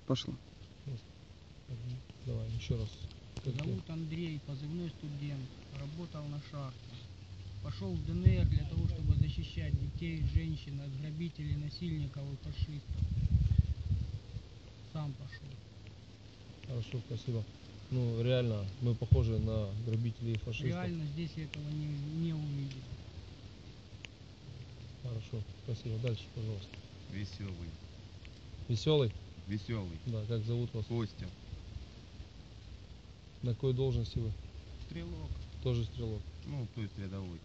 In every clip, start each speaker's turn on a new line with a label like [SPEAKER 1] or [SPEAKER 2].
[SPEAKER 1] Пошло.
[SPEAKER 2] Давай, еще раз.
[SPEAKER 3] Зовут Андрей, позывной студент, работал на шахте. Пошел в ДНР для того, чтобы защищать детей, женщин от грабителей, насильников и фашистов. Сам пошел.
[SPEAKER 2] Хорошо, спасибо. Ну, реально, мы похожи на грабителей и фашистов.
[SPEAKER 3] Реально здесь этого не увидел.
[SPEAKER 2] Хорошо, спасибо. Дальше, пожалуйста.
[SPEAKER 4] Веселый.
[SPEAKER 2] Веселый?
[SPEAKER 4] Веселый.
[SPEAKER 2] Да, как зовут вас?
[SPEAKER 4] Костя.
[SPEAKER 2] На какой должности вы?
[SPEAKER 4] Стрелок.
[SPEAKER 2] Тоже стрелок.
[SPEAKER 4] Ну, то есть рядовой.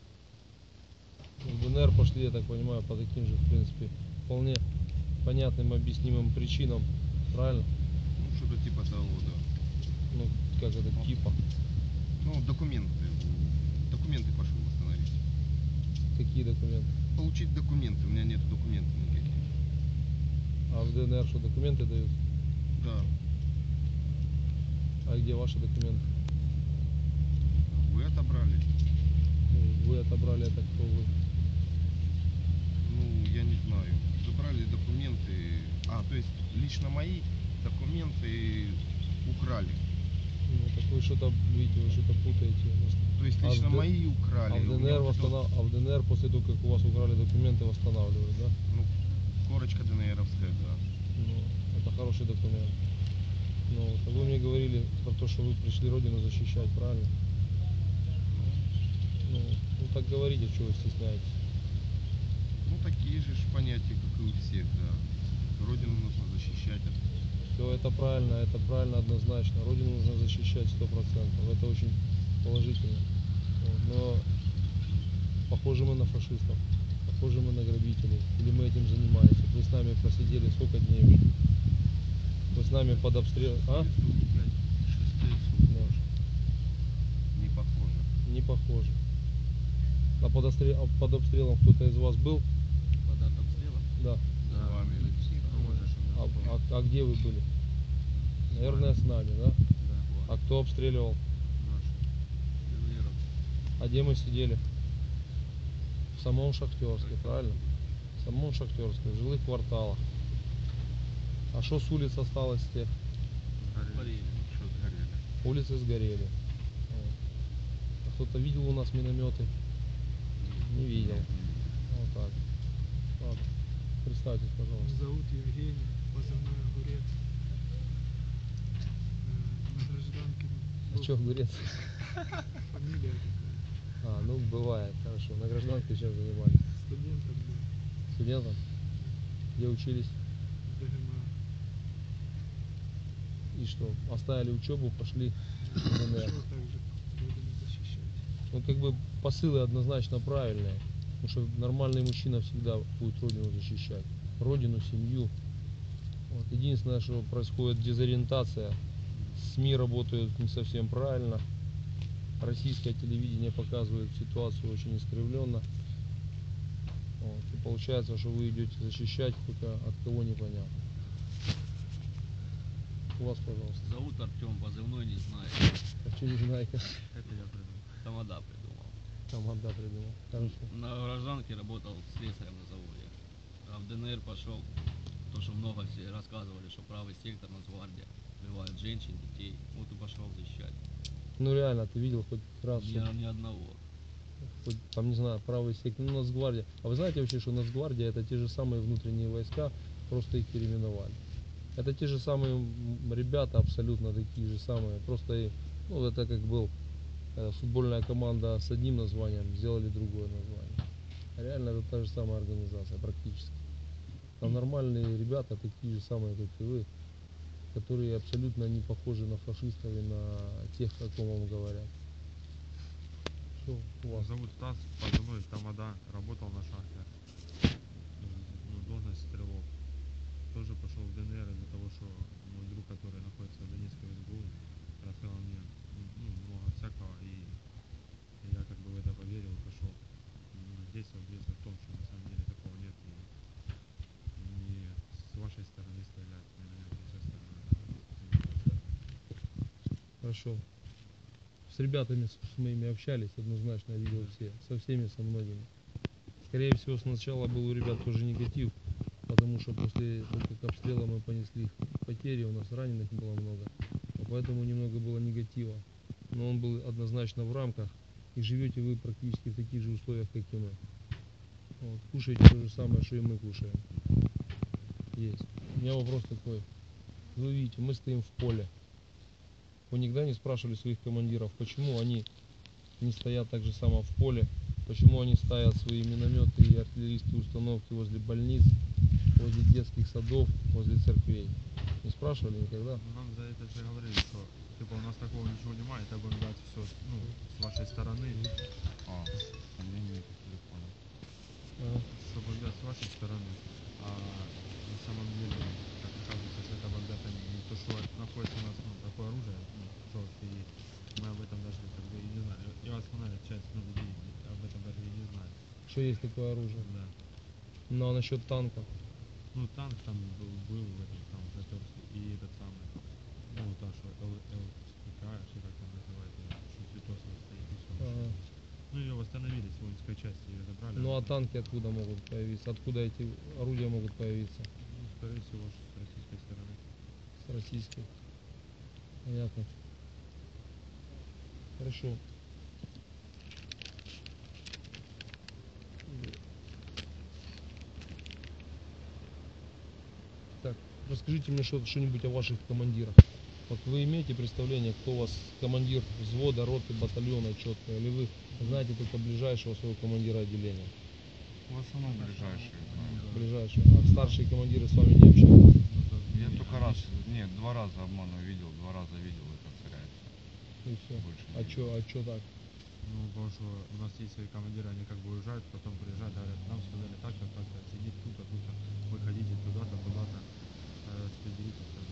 [SPEAKER 2] В ДНР пошли, я так понимаю, по таким же, в принципе, вполне понятным, объяснимым причинам. Правильно?
[SPEAKER 4] Ну, что-то типа того, да.
[SPEAKER 2] Ну, как это, типа?
[SPEAKER 4] Ну, документы. Документы пошел восстановить.
[SPEAKER 2] Какие документы?
[SPEAKER 4] Получить документы. У меня нет документов никаких.
[SPEAKER 2] А в ДНР что, документы дают?
[SPEAKER 4] Да.
[SPEAKER 2] А где ваши документы?
[SPEAKER 4] Вы отобрали.
[SPEAKER 2] Вы отобрали, это кто вы?
[SPEAKER 4] Ну, я не знаю. Забрали документы. А, то есть лично мои документы украли.
[SPEAKER 2] Ну, так вы что-то, видите, вы что-то путаете.
[SPEAKER 4] То есть лично мои украли.
[SPEAKER 2] А в ДНР после того, как у вас украли документы, восстанавливают, да?
[SPEAKER 4] Ну, корочка ДНРовская, да.
[SPEAKER 2] Ну, это хороший документ. Ну, вот, а вы мне говорили про то, что вы пришли родину защищать, правильно? Ну, так говорите, что вы стесняетесь.
[SPEAKER 4] Ну, такие же понятия, как и у всех, да. Родину нужно защищать.
[SPEAKER 2] Все это правильно однозначно. Родину нужно защищать 100%. Это очень положительно. Вот, но похожи мы на фашистов, похожи мы на грабителей. Или мы этим занимаемся. Вы с нами просидели сколько дней уже? Вы с нами под обстрелом. А?
[SPEAKER 4] Не похоже.
[SPEAKER 2] Не похоже. А под обстрелом кто-то из вас был?
[SPEAKER 4] Под обстрелом?
[SPEAKER 2] Да.
[SPEAKER 4] С вами.
[SPEAKER 2] А где вы были? Наверное, с нами, да?
[SPEAKER 4] Да.
[SPEAKER 2] А кто обстреливал? А где мы сидели? В самом Шахтерске, правильно? В самом Шахтерске, в жилых кварталах. А что с улиц осталось с тех?
[SPEAKER 4] Сгорели.
[SPEAKER 2] Улицы сгорели. Вот. А кто-то видел у нас минометы? Не видел. Вот так. Ладно. Представьтесь, пожалуйста.
[SPEAKER 5] Зовут Евгений, позывной Огурец. На гражданке.
[SPEAKER 2] А что, Огурец?
[SPEAKER 5] Фамилия такая.
[SPEAKER 2] А, ну бывает, хорошо. На гражданке чем занимались?
[SPEAKER 5] Студентом был.
[SPEAKER 2] Студентом? Где учились?
[SPEAKER 5] В ДГМА.
[SPEAKER 2] И что? Оставили учебу, пошли в ДНР.
[SPEAKER 5] Пошел также родину защищать.
[SPEAKER 2] Ну, как бы посылы однозначно правильные. Потому что нормальный мужчина всегда будет родину защищать. Родину, семью. Вот. Единственное, что происходит дезориентация. СМИ работают не совсем правильно. Российское телевидение показывает ситуацию очень искривленно. Вот. И получается, что вы идете защищать, только от кого непонятно. У вас, пожалуйста.
[SPEAKER 6] Зовут Артем, позывной не знаю.
[SPEAKER 2] А что не знаете?
[SPEAKER 6] Это я придумал. Тамада придумал.
[SPEAKER 2] Команда придумал. Хорошо.
[SPEAKER 6] На гражданке работал слесарем на заводе. А в ДНР пошел, то что много все рассказывали, что правый сектор, Нацгвардия, убивают женщин, детей. Вот и пошел защищать.
[SPEAKER 2] Ну реально, ты видел хоть раз,
[SPEAKER 6] Ни одного.
[SPEAKER 2] хоть, там, не знаю, правый сектор, ну, Нацгвардия. А вы знаете вообще, что Нацгвардия — это те же самые внутренние войска, просто их переименовали. Это те же самые ребята, абсолютно такие же самые. Просто, ну, это как был футбольная команда с одним названием, сделали другое название. А реально это та же самая организация практически. Там нормальные ребята, такие же самые, как и вы, которые абсолютно не похожи на фашистов и на тех, о ком вам говорят. Что у вас?
[SPEAKER 7] Зовут Стас, позывной Тамада, работал на шахте. Ну, должность стрелок. Тоже пошел в ДНР из-за того, что мой друг, который находится в Донецкой СБУ, рассказал мне много всякого, и я как бы в это поверил и пошел. Действовал в том, что на самом деле такого нет, и не с вашей стороны стрелять, наверное, со стороны.
[SPEAKER 2] Хорошо. С ребятами с моими общались, однозначно видел все. Со всеми, со многими. Скорее всего, сначала был у ребят тоже негатив, потому потому что после того, как обстрела мы понесли потери, у нас раненых было много, поэтому немного было негатива. Но он был однозначно в рамках, и живете вы практически в таких же условиях, как и мы. Вот, кушаете то же самое, что и мы кушаем. Есть. У меня вопрос такой. Вы видите, мы стоим в поле. Вы никогда не спрашивали своих командиров, почему они не стоят так же само в поле, почему они ставят свои минометы и артиллерийские установки возле больниц, возле детских садов, возле церквей? Не спрашивали никогда?
[SPEAKER 7] Нам за это же говорили, что типа у нас такого ничего немає, это будем дать все, ну, с вашей стороны.
[SPEAKER 4] А, линии по телефону.
[SPEAKER 2] Ага.
[SPEAKER 7] Что бомбят с вашей стороны, а на самом деле, как оказывается, что это бомбят они не то, что находится у нас ну, такое оружие, ну, жесткое есть. Мы об этом даже как бы и не знали. И основная часть ну, людей об этом даже и не знает.
[SPEAKER 2] Что есть такое оружие?
[SPEAKER 7] Да.
[SPEAKER 2] Ну а насчет танков?
[SPEAKER 7] Ну танк там был в этом там затерся. И этот самый, ну та, что ЛСПК, что как там называется, что Цветосова стоит и все.
[SPEAKER 2] Ага.
[SPEAKER 7] Ну ее восстановили с воинской части, ее забрали.
[SPEAKER 2] Ну а
[SPEAKER 7] она там,
[SPEAKER 2] танки откуда могут появиться? Откуда эти орудия могут появиться?
[SPEAKER 7] ну, скорее всего, с российской стороны.
[SPEAKER 2] С российской. Понятно. Хорошо. Так, расскажите мне что-нибудь о ваших командирах. Вот вы имеете представление, кто у вас командир взвода, роты, батальона четко, или вы знаете только ближайшего своего командира отделения?
[SPEAKER 4] В основном ближайшие знаю.
[SPEAKER 2] Ближайшего. А старшие командиры с вами не общаются?
[SPEAKER 4] Я только раз, нет, 2 раза обману видел, 2 раза видел это царяется.
[SPEAKER 2] И все.
[SPEAKER 4] Больше не
[SPEAKER 2] А
[SPEAKER 4] видел.
[SPEAKER 2] чё так?
[SPEAKER 7] Ну, потому что у нас есть свои командиры, они как бы уезжают, потом приезжают, говорят, нам сказали так-то, так-то, сидеть тут-то, тут-то, выходите туда-то, туда-то, распределитесь там.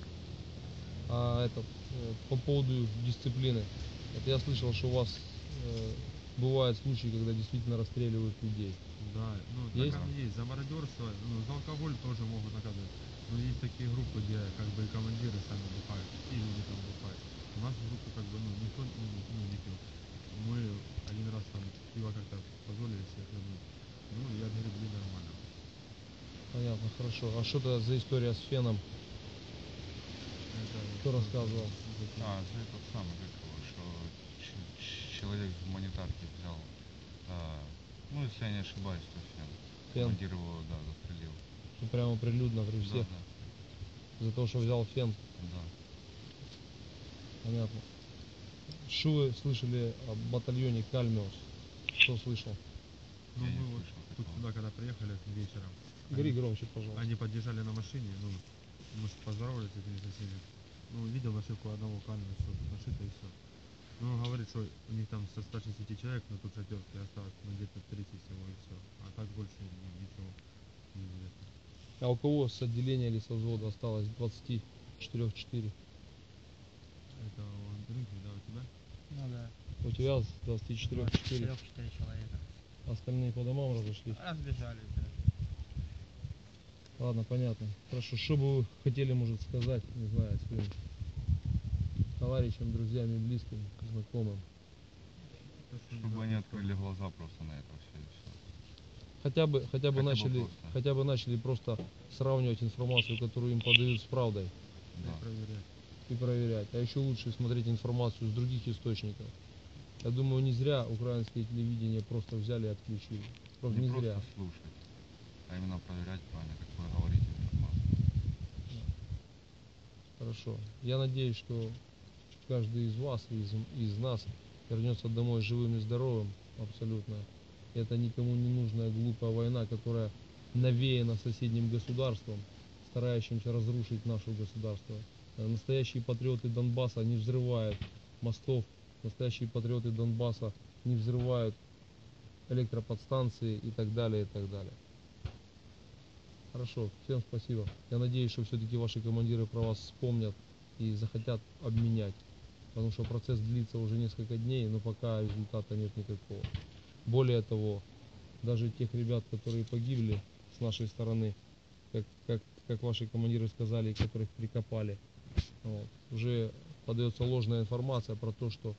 [SPEAKER 2] А это по поводу дисциплины. Вот я слышал, что у вас бывают случаи, когда действительно расстреливают людей.
[SPEAKER 7] Да, ну
[SPEAKER 2] Есть?
[SPEAKER 7] так оно есть. За мародерство, ну, за алкоголь тоже могут наказывать. Но есть такие группы, где как бы и командиры сами бухают, и люди там бухают. У нас в группе как бы, ну, никто не пил. Мы один раз там пиво как-то позволили себе хлебнуть. Ну, и отгребли нормально.
[SPEAKER 2] Понятно, хорошо. А что это за история с феном?
[SPEAKER 7] Это
[SPEAKER 2] Кто рассказывал?
[SPEAKER 4] А, за этот самый, как его, что человек в гуманитарке взял, ну, если я не ошибаюсь, то фен.
[SPEAKER 2] Фен.
[SPEAKER 4] Командир его, да, застрелил.
[SPEAKER 2] Ну, прямо прилюдно при всех.
[SPEAKER 4] Да,
[SPEAKER 2] За то, что взял фен.
[SPEAKER 4] да.
[SPEAKER 2] Понятно. Что вы слышали о батальоне Кальмиус? Кто слышал?
[SPEAKER 7] Ну,
[SPEAKER 4] Я не
[SPEAKER 7] мы вот
[SPEAKER 4] слышал
[SPEAKER 7] тут
[SPEAKER 4] такого.
[SPEAKER 7] сюда, когда приехали вечером,
[SPEAKER 2] Говори громче, пожалуйста.
[SPEAKER 7] они подъезжали на машине, ну, может, поздоровались с этими соседями. Ну, видел нашивку одного камня, все, нашито и все. Ну, он говорит, что у них там со 160 человек на тут шатерке осталось, ну, где-то 30 всего и все. А так больше ничего не известно.
[SPEAKER 2] А у кого с отделения или со взвода осталось 24-4?
[SPEAKER 7] Это у Андрюхи, да, у тебя?
[SPEAKER 3] Ну да,
[SPEAKER 2] У тебя с 24-4?
[SPEAKER 3] 4 человека.
[SPEAKER 2] Остальные по домам разошлись?
[SPEAKER 3] Разбежались, да.
[SPEAKER 2] Ладно, понятно. Хорошо. Что бы вы хотели, может, сказать, не знаю, своим товарищам, друзьям, и близким, знакомым?
[SPEAKER 7] То, что
[SPEAKER 4] Чтобы они открыли глаза просто на это все и все.
[SPEAKER 2] Хотя бы
[SPEAKER 4] Хотя бы
[SPEAKER 2] начали,
[SPEAKER 4] просто.
[SPEAKER 2] хотя бы начали просто сравнивать информацию, которую им подают, с правдой
[SPEAKER 4] Да.
[SPEAKER 7] проверять.
[SPEAKER 2] и проверять. А еще лучше смотреть информацию с других источников. Я думаю, не зря украинское телевидение просто взяли и отключили. Просто
[SPEAKER 4] Не
[SPEAKER 2] не
[SPEAKER 4] просто
[SPEAKER 2] зря.
[SPEAKER 4] слушать, а именно проверять правильно, как вы говорите, информацию.
[SPEAKER 2] Хорошо. Я надеюсь, что каждый из вас, из нас вернется домой живым и здоровым, абсолютно. Это никому не нужная глупая война, которая навеяна соседним государством, старающимся разрушить наше государство. Настоящие патриоты Донбасса не взрывают мостов, настоящие патриоты Донбасса не взрывают электроподстанции и так далее, и так далее. Хорошо, всем спасибо. Я надеюсь, что все-таки ваши командиры про вас вспомнят и захотят обменять. Потому что процесс длится уже несколько дней, но пока результата нет никакого. Более того, даже тех ребят, которые погибли с нашей стороны, как ваши командиры сказали, которых прикопали, вот, уже подается ложная информация про то, что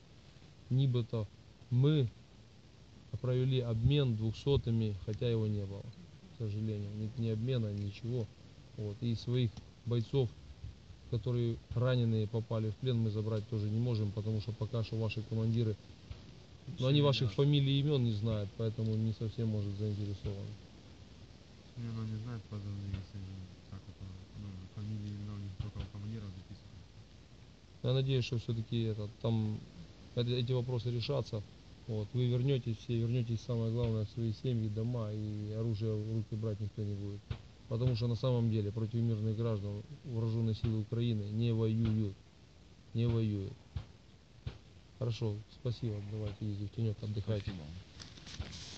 [SPEAKER 2] нибито мы провели обмен 200-ми, хотя его не было. к сожалению. Нет ни обмена, ничего. Вот. И своих бойцов, которые раненые попали в плен, мы забрать тоже не можем, потому что пока что ваши командиры, но они ваших фамилий и имен не знают, поэтому не совсем может заинтересованы.
[SPEAKER 7] Не, ну не знает позывные, если как это, ну, фамилии, имена у них только у командиров записаны.
[SPEAKER 2] Я надеюсь, что все-таки там эти вопросы решатся. Вот, вы вернетесь, все вернетесь, самое главное, в свои семьи, дома, и оружие в руки брать никто не будет. Потому что на самом деле против мирных граждан вооруженные силы Украины не воюют. Не воюют. Хорошо, спасибо, давайте иди в тенек, отдыхайте.
[SPEAKER 4] Спасибо.